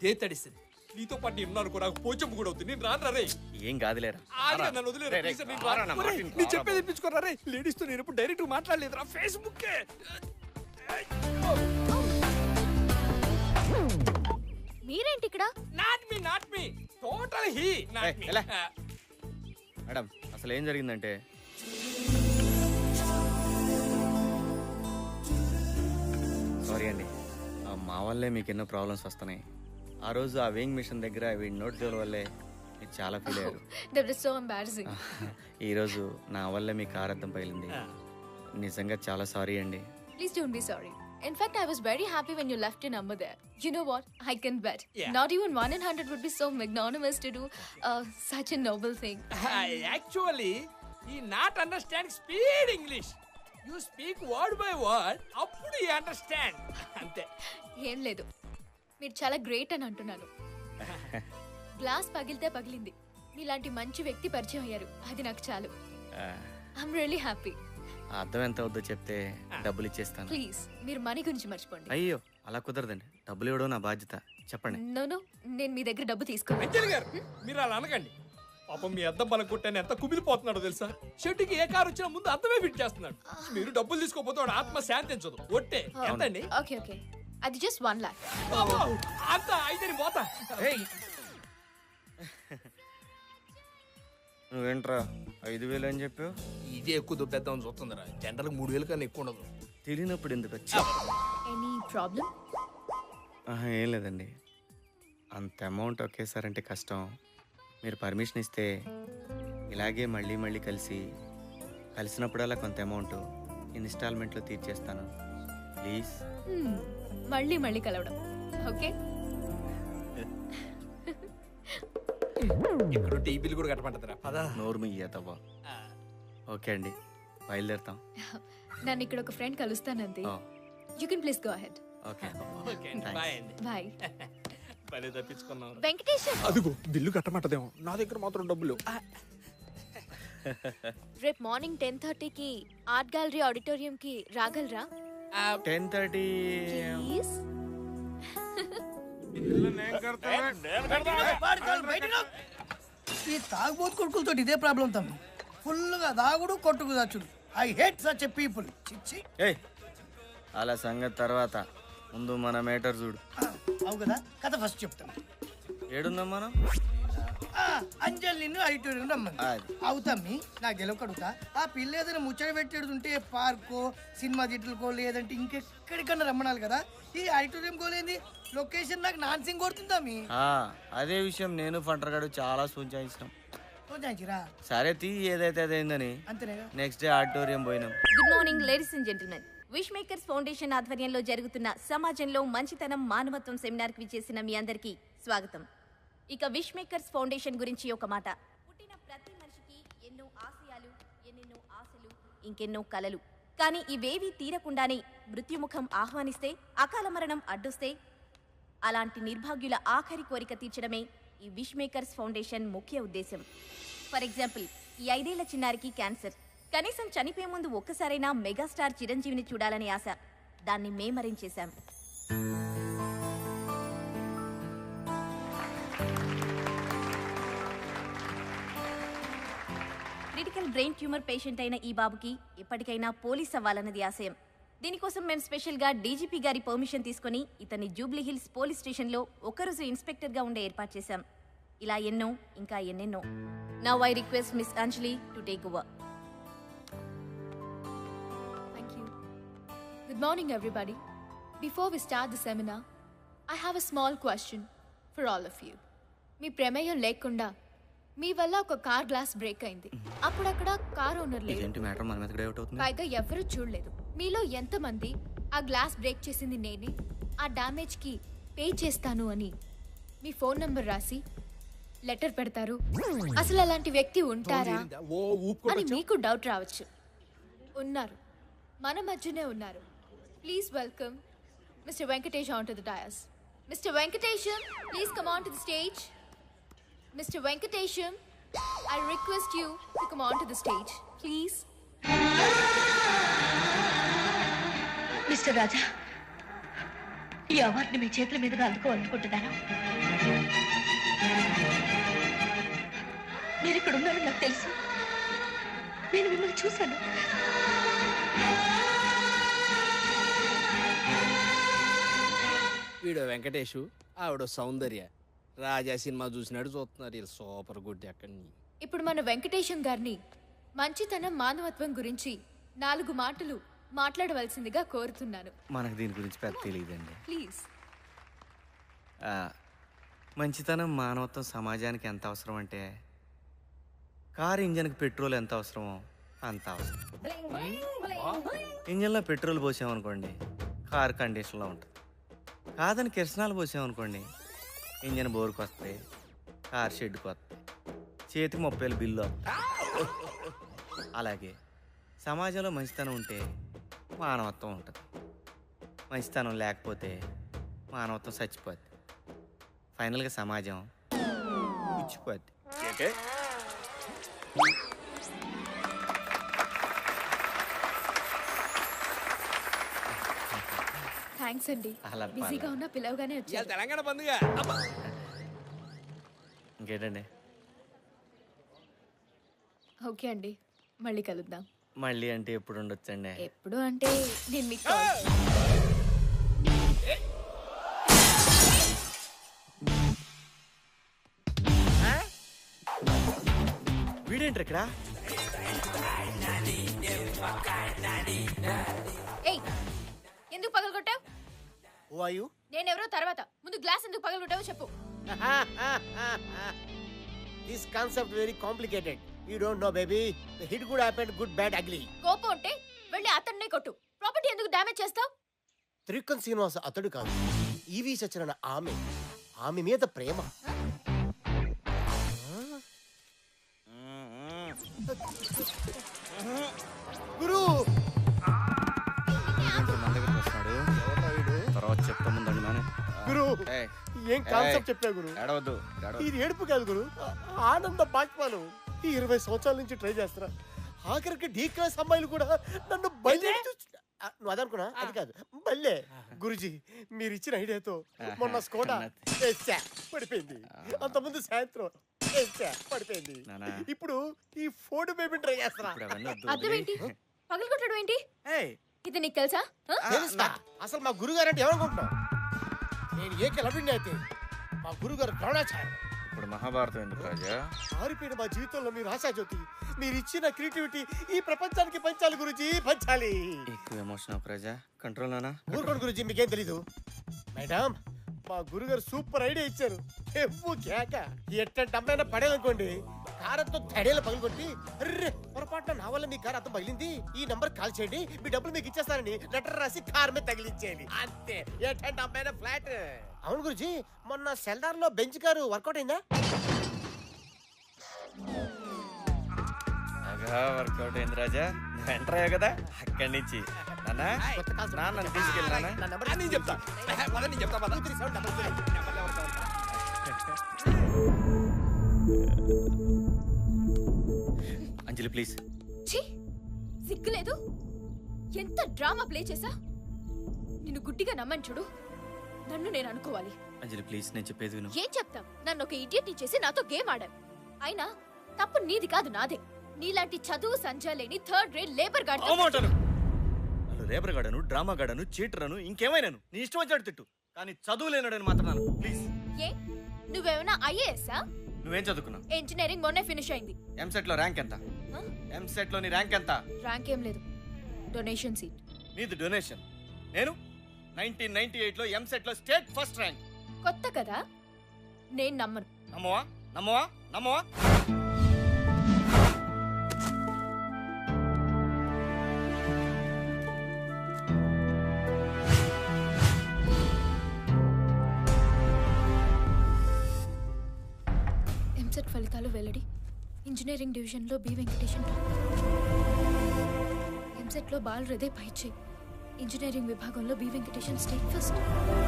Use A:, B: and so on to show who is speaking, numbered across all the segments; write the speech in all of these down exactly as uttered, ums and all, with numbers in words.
A: ఇదే తడిసింది. నీతో పాటు నేను ఉన్నాను, నాకు పోచంపు కూడా అవుతుంది. నేను రాను రే.
B: ఏం కాదులేరా,
A: నన్ను వదిలేరా. నేను చెప్పేది తెప్పించుకోరా రే. లేడీస్ తో నేను ఎప్పుడు డైరెక్ట్ మాట్లాడలేదురా, ఫేస్బుక్.
C: మీరేంటి ఇక్కడ?
A: Not me not me total he not me.
B: Madam అసలు ఏం జరిగిందంటే, సారీ అండి, మా వల్లే మీకు ఎన్నో ప్రాబ్లమ్స్ వస్తున్నాయి. ఆ రోజు ఆ వేయింగ్ మిషన్ దగ్గర వీడి నోట్ జోల వల్లే మీరు చాలా ఫీల్ అయ్యారు.
C: That was so embarrassing.
B: ఈ రోజు నా వల్లే మీ కార్ అద్దం పగిలింది. నిజంగా చాలా సారీ అండి.
C: Please don't be sorry. In fact, I was very happy when you left your number there. You know what? I can bet.
A: Yeah.
C: Not even one in hundred would be so magnanimous to do uh, such a noble thing.
A: Actually, he not understand speed English. You speak word by word. Appudu he understand. Ante.
C: ఏం లేదు, మీరు చాలా great అని అంటున్నాను. Glass పగిలితే పగిలింది, మీలాంటి మంచి వ్యక్తి పరిచయం అయ్యారు, అది నాకు చాలు. I'm really happy.
B: అర్థం ఎంత అవుద్దో చెప్తే డబ్బులు ఇచ్చేస్తాను.
C: ప్లీజ్ మీరు మనీ గురించి మర్చిపోండి.
B: అయ్యో అలా కుదరదండి, డబ్బులు ఇవ్వడం నా బాధ్యత. చెప్పండి.
C: నో నో, నేను మీ దగ్గర డబ్బు తీసుకోను.
A: అంజలి గారు మీరు అలా అనకండి. పాపం మీ అద్దం బలం కొట్టాను ఎంత కుమిలిపోతున్నాడో తెలుసా. షెడ్డుకి ఏ కారు వచ్చినా ముందు అద్దమే ఫిట్ చేస్తున్నాడు. మీరు డబ్బులు తీసుకోపోతే వాడు ఆత్మ శాంతించదు. ఒట్టే ఎంతండి?
C: ఓకే ఓకే, అది జస్ట్ వన్ లాక్.
A: అంత అయితే పోతా.
B: నువ్వేంట్రా ఐదు వేలు అని చెప్పావు?
A: ఇదే ఎక్కువ దుబ్బేద్దామని చూస్తుందిరా. జనరల్ మూడు వేలు కన్నా ఎక్కువ ఉండదు.
B: తెలియనప్పుడు ఎందుకు వచ్చి?
C: Any problem?
B: ఏం లేదండి, అంత అమౌంట్ ఒకేసారి అంటే కష్టం. మీరు పర్మిషన్ ఇస్తే ఇలాగే మళ్ళీ మళ్ళీ కలిసి కలిసినప్పుడల్లా కొంత అమౌంట్ ఇన్స్టాల్మెంట్లో తీర్చేస్తాను. ప్లీజ్.
C: మళ్ళీ మళ్ళీ కలవడం ఓకే?
A: ఇక్కడ టీవీలు కూడా కట్టమంటారా? పదా
B: నోరు మియ్యతవ్వా. ఓకే అండి, బయలుదేరుతాం.
C: నన్ను ఇక్కడ ఒక ఫ్రెండ్ కలుస్తానంతే. You can please go ahead.
B: Okay
A: okay అండి, బాయ్ అండి.
C: బాయ్.
A: పని తప్పించుకున్నాం.
C: వెంకటేశం
A: అదిగో బిల్లు కట్టమంటదేమో, నా దగ్గర మాత్రం డబ్బులు.
C: రేపు మార్నింగ్ టెన్ థర్టీకి ఆర్ట్ గ్యాలరీ ఆడిటోరియం కి రాగలరా?
B: Ten thirty
C: please.
D: ఈ తాగుబోతు కొడుకులతో ఇదే ప్రాబ్లం తమ్మి. ఫుల్ గా దాగుడు కొట్టుకు దాచుడు. I hate such a people. చిచ్చి.
B: ఏయ్ అలా సంగతి తర్వాత, ముందు మన మేటర్ చూడు.
D: అవు కదా, కథ ఫస్ట్ చెప్తాను.
B: ఏడున్నాం మనం?
D: అంజలి నిన్ను ఆడిటోరియం రమ్మని. అవుతమ్మి నాకు గెలవకడుగుతా. ఆ పిల్ల ఏదైనా ముచ్చట పెట్టేడుంటే పార్కో సినిమా థియేటర్కో లేదంటే ఇంకెక్కడికన్నా రమ్మనాలి కదా. ఈ ఆడిటోరియం కోలేంది లొకేషన్ నాకు నాన్సింగ్ కొడుతుందమ్మి.
B: అదే విషయం నేను ఫంటర్ గారు చాలా సూచించినాం. సరే తీ, ఏదైతే అదైందని.
D: అంతేనా?
B: నెక్స్ట్ డే ఆడిటోరియం పోయినాం.
E: Good morning ladies and gentlemen. Wish makers foundation ఆధ్వర్యంలో జరుగుతున్న సమాజంలో మంచితనం మానవత్వం సెమినార్ కి విచ్చేసిన మీ అందరికీ స్వాగతం. ఇక విష్ మేకర్స్ ఫౌండేషన్ గురించి ఒక మాట. పుట్టిన ప్రతి మనిషికి ఎన్నో ఆశయాలు, ఎన్నెన్నో ఆశలు, ఇంకెన్నో కలలు. కానీ ఇవేవీ తీరకుండానే మృత్యుముఖం ఆహ్వానిస్తే, అకాల మరణం అడ్డొస్తే, అలాంటి నిర్భాగ్యుల ఆఖరి కోరిక తీర్చడమే ఈ విష్ మేకర్స్ ఫౌండేషన్ ముఖ్య ఉద్దేశం. ఫర్ ఎగ్జాంపుల్, ఈ ఐదేళ్ల చిన్నారికి క్యాన్సర్. కనీసం చనిపోయే ముందు ఒక్కసారైనా మెగాస్టార్ చిరంజీవిని చూడాలనే ఆశ. దాన్ని మేమరించేశాం. క్రిటికల్ బ్రెయిన్ ట్యూమర్ పేషెంట్ అయిన ఈ బాబుకి ఎప్పటికైనా పోలీస్ అవ్వాలన్నది ఆశయం. దీనికోసం మేము స్పెషల్గా డీజీపీ గారి పర్మిషన్ తీసుకుని ఇతన్ని జూబ్లీ హిల్స్ పోలీస్ స్టేషన్లో ఒక్కరోజు ఇన్స్పెక్టర్గా ఉండే ఏర్పాటు చేశాం. ఇలా ఎన్నో ఇంకా ఎన్నెన్నో. Now I request miss Anjali to take over.
C: Good morning, everybody. Before we start the seminar, I have a small question for all of you. మీ ప్రమేయం లేకుండా మీ వల్ల ఒక కార్ గ్లాస్ బ్రేక్ అయింది. అప్పుడు అక్కడ కార్ ఓనర్ లేదు, పైగా ఎవరు చూడలేదు. మీలో ఎంతమంది ఆ గ్లాస్ బ్రేక్ చేసింది నేనే, ఆ డ్యామేజ్ కి పే చేస్తాను అని మీ ఫోన్ నంబర్ రాసి లెటర్ పెడతారు? అసలు అలాంటి వ్యక్తి ఉంటారా అని మీకు డౌట్ రావచ్చు. ఉన్నారు, మన మధ్యనే ఉన్నారు. Please welcome Mister Venkatesh onto the dais. Mister Venkatesham, please come on to the stage. Mister Venkatesham, I request you to come on to the stage, please.
F: Mister Raja, ఈ అవార్డుని మీ చేతుల మీదుగా అందుకోవాలనుకుంటున్నాను. మీరు ఇక్కడ ఉన్నారని నాకు తెలుసు. నేను మిమ్మల్ని చూశాను.
G: వీడు వెంకటేషు, ఆవిడ సౌందర్య. రాజా సినిమా చూసినట్టు చూస్తున్నారు వీళ్ళు. Super good. అక్కడి
C: ఇప్పుడు మన వెంకటేశం గారిని మంచితనం మానవత్వం గురించి నాలుగు మాటలు మాట్లాడవలసిందిగా కోరుతున్నాను.
B: మనకు దీని గురించి పెద్ద తెలియదండి.
C: ప్లీజ్.
B: మంచితనం మానవత్వం సమాజానికి ఎంత అవసరం అంటే కారు ఇంజన్కి పెట్రోల్ ఎంత అవసరమో అంత అవసరం. ఇంజన్లో పెట్రోల్ పోసామనుకోండి కారు కండిషన్లో ఉంటుంది. కాదని కిరసనాలు పోసామనుకోండి ఇంజన్ బోరుకు వస్తాయి, కారు షెడ్కి వస్తాయి, చేతికి ముప్పై వేలు బిల్లు వస్తాయి. అలాగే సమాజంలో మంచితనం ఉంటే మానవత్వం ఉంటుంది. మంచితనం లేకపోతే మానవత్వం చచ్చిపోద్ది. ఫైనల్గా సమాజం ఇచ్చిపోద్ది.
C: థ్యాంక్స్ అండి.
B: అలా
C: బిజీగా ఉన్న పిలవగానే
A: ఇవాళ
C: వచ్చారు.
A: తెలంగాణ పండుగ. అబ్బా.
B: ఇంకేంటండి?
C: ఓకే అండి, మళ్ళీ కలుద్దాం.
B: మళ్ళీ అంటే ఎప్పుడు ఉండొచ్చండి?
C: ఎప్పుడు అంటే నేను మీకు కాల్
B: వీడేంటి ఇక్కడ?
C: ఏయ్, ఎందుకు పగలగొట్టావు?
H: Who are you?
C: నేనెవరో తర్వాత, ముందు గ్లాస్ ఎందుకు పగలగొట్టావో చెప్పు.
H: This concept very complicated. You don't know, baby. The hit could happen, good, bad, ugly.
C: కోపం ఉంటే వెళ్ళి అతన్నే కొట్టు. ప్రాపర్టీ ఎందుకు డ్యామేజ్ చేస్తావు?
H: త్రికన్ శ్రీనివాస అతడు కాదు, ఈవి సత్యనారాయణ ఆమె ఆమె మీద ప్రేమ. గురు
B: మన దగ్గరకు వస్తున్నాడు. తర్వాత చెప్తా ముందండి నాన్న.
H: గురు
B: ఏయ్,
H: ఏం కాన్సెప్ట్ చెప్పా గురు?
B: ఏడవద్దు, ఏడవద్దు.
H: ఇది ఏడుపు కాదు గురు, ఆనంద బాష్పాలు. ఈ ఇరవై సంవత్సరాల నుంచి ట్రై చేస్తున్నా. ఆఖరికి డీ క్లాస్ అమ్మాయిలు కూడా నన్ను బయలు నువ్వు అదనుకున్నా, అది కాదు బల్లే. గురుజీ మీరు ఇచ్చిన ఐడియాతో మొన్న స్కోడా వేసా పడిపోయింది, అంతకుముందు సాయంత్రం వేసా పడిపోయింది.
B: నానా.
H: ఇప్పుడు ఈ ఫోర్డ్ బేబీ ట్రై చేస్తున్నా.
B: ఇప్పుడు అవన్నీ వద్దు,
C: అర్థం
B: వదిలేయ్.
C: ఏంటి? పగలగొట్టడం ఏంటి?
B: ఏయ్,
C: ఇది నీకు తెలుసా? ఆ?
H: తెలుసా? అసలు మా గురుగారు అంటే ఎవరనుకుంటున్నావు? నేను ఏ కిలబిండి అయితే మా గురుగారు ద్రోణాచార్య.
B: ఇప్పుడు మహాభారతం ఎందుకు రాజా?
H: మారిపోయిన మా జీవితంలో మీరు ఆశాజ్యోతి. మీరు ఇచ్చిన క్రియేటివిటీ ఈ ప్రపంచానికి పంచాలి గురుజీ, పంచాలి.
B: ఎక్కువ ఎమోషన్ అవ్వకు రాజా, కంట్రోల్ నానా.
H: ఊరుకోండి గురుజీ, మీకేం తెలీదు. మేడం, మా గురుగారు సూపర్ ఐడియా ఇచ్చారు. ఎవ్వు కేక ఎట్టంటే అమ్మాయినా పడేయాలనుకోండి, కారంతో తడేలా పగలగొట్టి, అర్రే పొరపాటున నా వల్ల మీ కారు అర్థం పగిలింది, ఈ నంబర్ కాల్ చేయండి, మీ డబ్బులు మీకు ఇచ్చేస్తానని లెటర్ రాసి కార్ మీద తగిలించేయండి. అంతే. ఎట్టంటే అమ్మాయినా ఫ్లాట్. అవును గురుజీ, మొన్న సెల్దార్ లో బెంచ్ కారు వర్కౌట్ అయిందా?
B: బాగా వర్కౌట్ అయింది రాజా. నువ్వు ఎంటర్ అయ్యావు కదా అక్కడి నుంచి. నాన్న, నాన్న తీసుకెళ్ళి నాన్న.
H: నా నంబర్
A: ఆ, నేను చెప్తా. పద, నేను చెప్తా పద.
H: Three seven double zero.
B: Anjali please.
C: ఛీ, సిగ్గులేదు? ఎంత డ్రామా ప్లే చేసా? నిన్ను గుడ్డిగా నమ్మని చూడు, నన్ను నేను అనుకోవాలి.
B: అంజలి ప్లీజ్, నేను చెప్పేది విను.
C: ఏం చెప్తాం? నన్ను ఒక ఇడియట్ చేసి నాతో గేమ్ ఆడాం. అయినా తప్పు నీది కాదు, నాదే. నీలాంటి చదువు సంజా లేని థర్డ్ రేట్ లేబర్ గార్డ్.
B: నన్ను రేబర్ గాడను, డ్రామా గాడను, చీటరను, ఇంకేమైనాను నీ ఇష్టం వచ్చాడు తిట్టు, కానీ చదువు లేనాడని మాత్రం నాను ప్లీజ్.
C: ఏ, నువ్వేమైనా ఐఏఎస్ఆ?
B: నువ్వేం చదువుకున్నావు?
C: ఇంజనీరింగ్ మొన్నే ఫినిష్ అయింది.
B: ఎంసెట్ లో ర్యాంక్ ఎంత?
C: ఆ?
B: ఎంసెట్ లో నీ ర్యాంక్ ఎంత?
C: ర్యాంక్ ఏం లేదు, డొనేషన్ సీట్.
B: నీది డొనేషన్. నేను నైన్టీన్ నైన్టీ ఎయిట్ లో ఎంసెట్ లో స్టేట్ ఫస్ట్ ర్యాంక్.
C: కొత్త కదా, నేను నమ్మను.
B: నమ్మవా? నమ్మవా? నమ్మవా?
C: ఎంసెట్ ఫలితాలు వెల్లడి. ఇంజనీరింగ్ డివిజన్లో బి వెంకటేశన్ టాప్. ఎంసెట్లో బాల్ హృదయ్ పైచే. ఇంజనీరింగ్ విభాగంలో B Venkatesan state first.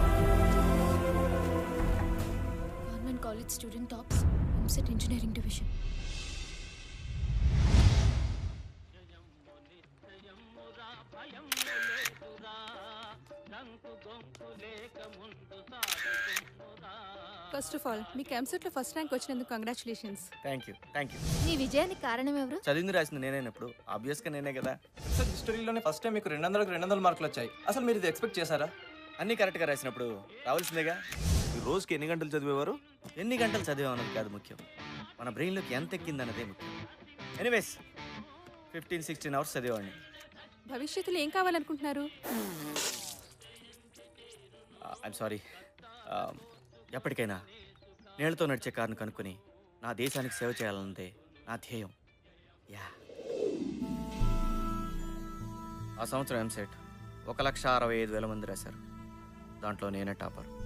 C: Government college student tops EAMCET engineering division.
I: భయం ఫస్ట్ ఆఫ్ ఆల్ మీకు ఎంసెట్లో ఫస్ట్ ర్యాంక్ వచ్చినందుకు congratulations.
B: Thank you thank you.
C: మీ విజయానికి కారణం ఎవరు?
B: చదివింది రాసింది నేనేనప్పుడు ఆబ్వియస్గా నేనే కదా.
J: సార్ హిస్టరీలోనే ఫస్ట్ టైం మీకు రెండు వందలకు రెండు వందల మార్కులు వచ్చాయి. అసలు మీరు ఇది ఎక్స్పెక్ట్ చేశారా?
B: అన్నీ కరెక్ట్గా రాసినప్పుడు రావాల్సిందేగా.
K: ఈ రోజుకి ఎన్ని గంటలు చదివేవారు?
B: ఎన్ని గంటలు చదివామన్నది కాదు ముఖ్యం, మన బ్రెయిన్లోకి ఎంత ఎక్కిందన్నదే ముఖ్యం. ఎనీవేస్ ఫిఫ్టీన్ సిక్స్టీన్ అవర్స్ చదివేవాడిని.
I: భవిష్యత్తులో ఏం కావాలనుకుంటున్నారు?
B: ఐఎమ్ సారీ, ఎప్పటికైనా నీళ్లతో నడిచే కారును కనుక్కొని నా దేశానికి సేవ చేయాలన్నదే నా ధ్యేయం. యా. ఆ సంవత్సరం ఎంసెట్ ఒక లక్ష అరవై ఐదు వేల మంది రాశారు, దాంట్లో నేనే టాపర్.